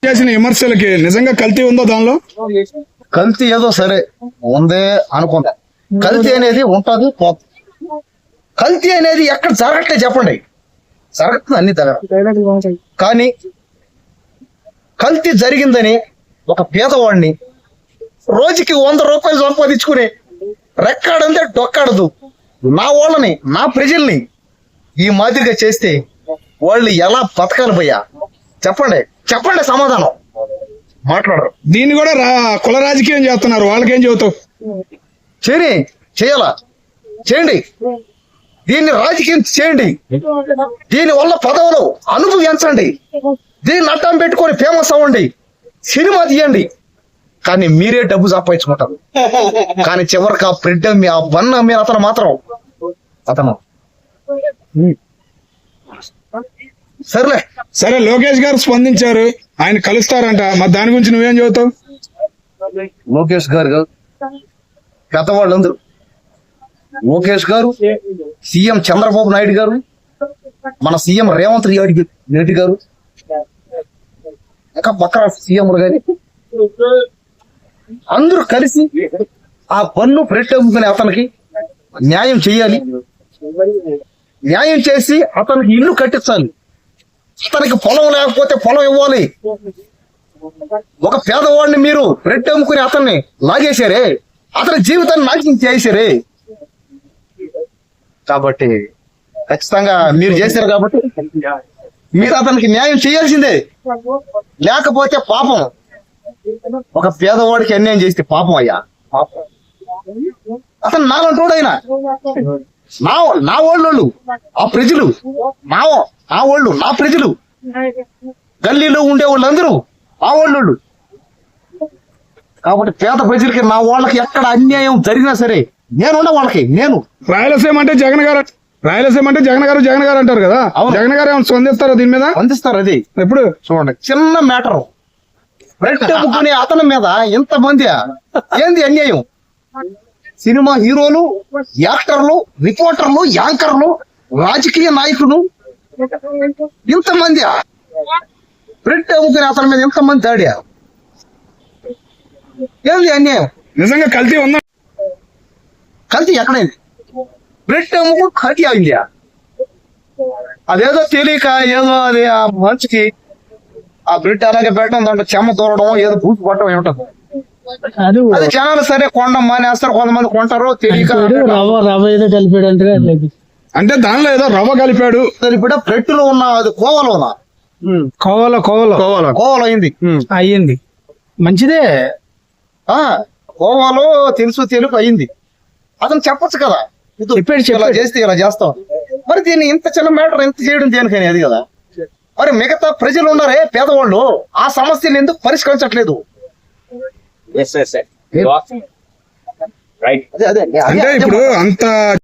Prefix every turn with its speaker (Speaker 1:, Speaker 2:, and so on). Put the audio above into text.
Speaker 1: చేసిన విమర్శలకి నిజంగా కల్తీ ఉందో దానిలో?
Speaker 2: కల్తీ ఏదో సరే ఉందే అనుకుంటా. కల్తీ అనేది ఉంటది పోతుంది. కల్తీ అనేది ఎక్కడ జరగట్లే చెప్పండి, జరుగుతుంది అన్ని దగ్గర. కానీ కల్తీ జరిగిందని ఒక పేదవాడిని రోజుకి 100 రూపాయలు సంపాదించుకుని రెక్కాడంతే డొక్కాడదు నా వాళ్ళని, నా ప్రజల్ని ఈ మాదిరిగా చేస్తే వాళ్ళు ఎలా బతకాలి భయ్యా? చెప్పండి చెప్పండి, సమాధానం మాట్లాడరు.
Speaker 1: దీన్ని కూడా కుల రాజకీయం చేస్తున్నారు, వాళ్ళకేం చెబుతావు?
Speaker 2: చేయాలా చేయండి, దీన్ని రాజకీయం చేయండి, దీని వల్ల పదవులు అనుభవించండి, దీన్ని అడ్డం పెట్టుకొని ఫేమస్ అవ్వండి, సినిమా తీయండి. కానీ మీరే డబ్బు సంపాదించుకుంటారు. కానీ చివరికి ఆ ప్రింట్ ఆ వన్ మీరు అతను మాత్రం
Speaker 1: సరే లోకేష్ గారు స్పందించారు, ఆయన కలుస్తారంట, మరి దాని గురించి నువ్వేం చెబుతావు?
Speaker 2: లోకేష్ గారు పెద్దవాళ్ళందరూ, లోకేష్ గారు, సీఎం చంద్రబాబు నాయుడు గారు, మన సీఎం రేవంత్ రెడ్డి గారు, ఇంకా పక్కన సీఎంలు గారి అందరూ కలిసి ఆ పన్ను పెట్టేముకునే అతనికి న్యాయం చేయాలి. న్యాయం చేసి అతనికి ఇల్లు కట్టించాలి. అతనికి పొలం లేకపోతే పొలం ఇవ్వాలి. ఒక పేదవాడిని మీరు రెడ్ అమ్ముకుని అతన్ని లాగేశారే, అతని జీవితాన్ని నాశనం చేశారే. కాబట్టి ఖచ్చితంగా మీరు చేశారు కాబట్టి మీరు అతనికి న్యాయం చేయాల్సిందే. లేకపోతే పాపం, ఒక పేదవాడికి అన్యాయం చేస్తే పాపం అయ్యా, పాపం. అతను నాలంటోడు అయినా నా వాళ్ళు, ఆ ప్రజలు నా వాళ్ళు, నా ప్రజలు, గల్లీలో ఉండే వాళ్ళందరూ ఆ వాళ్ళు. కాబట్టి పేద ప్రజలకి, నా వాళ్ళకి ఎక్కడ అన్యాయం జరిగినా సరే నేనుండ వాళ్ళకి. నేను
Speaker 1: రాయలసీమ అంటే జగన్ గారు అంటారు కదా, జగన్ గారు ఏమైనా స్పందిస్తారా దీని మీద?
Speaker 2: స్పందిస్తారు. అది
Speaker 1: ఎప్పుడు
Speaker 2: చూడండి, చిన్న మ్యాటర్ పెట్టుకునే అతని మీద ఇంతమంది ఏంది అన్యాయం? సినిమా హీరోలు, యాక్టర్లు, రిపోర్టర్లు, యాంకర్లు, రాజకీయ నాయకులు, ఇంతమంది బ్రెడ్ అమ్ముకునే అతని మీద ఇంతమంది దాడి. ఏంది అన్యాయం?
Speaker 1: నిజంగా కల్తీ ఉందా?
Speaker 2: కల్తీ ఎక్కడైంది? బ్రెడ్ అమ్ముకు కల్తీ అయింది. అదేదో తెలియక ఏదో అది ఆ మంచికి ఆ బ్రెడ్ అలాగే పెట్టడం, దాంట్లో చెమ్మ తోరడం, ఏదో పూసి పట్టడం ఏమిటది. అది జనాలు సరే కొండం మానేస్తారు, కొంతమంది కొంటారు తెలియక.
Speaker 3: రవ్వ ఏదో కలిపాడు
Speaker 1: అంటే దానిలో ఏదో రవ్వ కలిపాడు.
Speaker 2: ఇప్పుడు బ్రెడ్లో ఉన్న అది కోవలోనా? కోవలో
Speaker 3: అయ్యింది మంచిదే.
Speaker 2: కోవాలో తెలుగు అయింది. అతను చెప్పొచ్చు కదా, ఇలా చేస్తే ఇలా చేస్తాం. మరి దీన్ని ఇంత చిన్న మ్యాటర్ ఇంత చేయడం దేనికని? అది కదా. మరి మిగతా ప్రజలు ఉన్నారే పేదవాళ్ళు, ఆ సమస్యను ఎందుకు పరిష్కరించట్లేదు?
Speaker 1: అంటే ఇప్పుడు అంత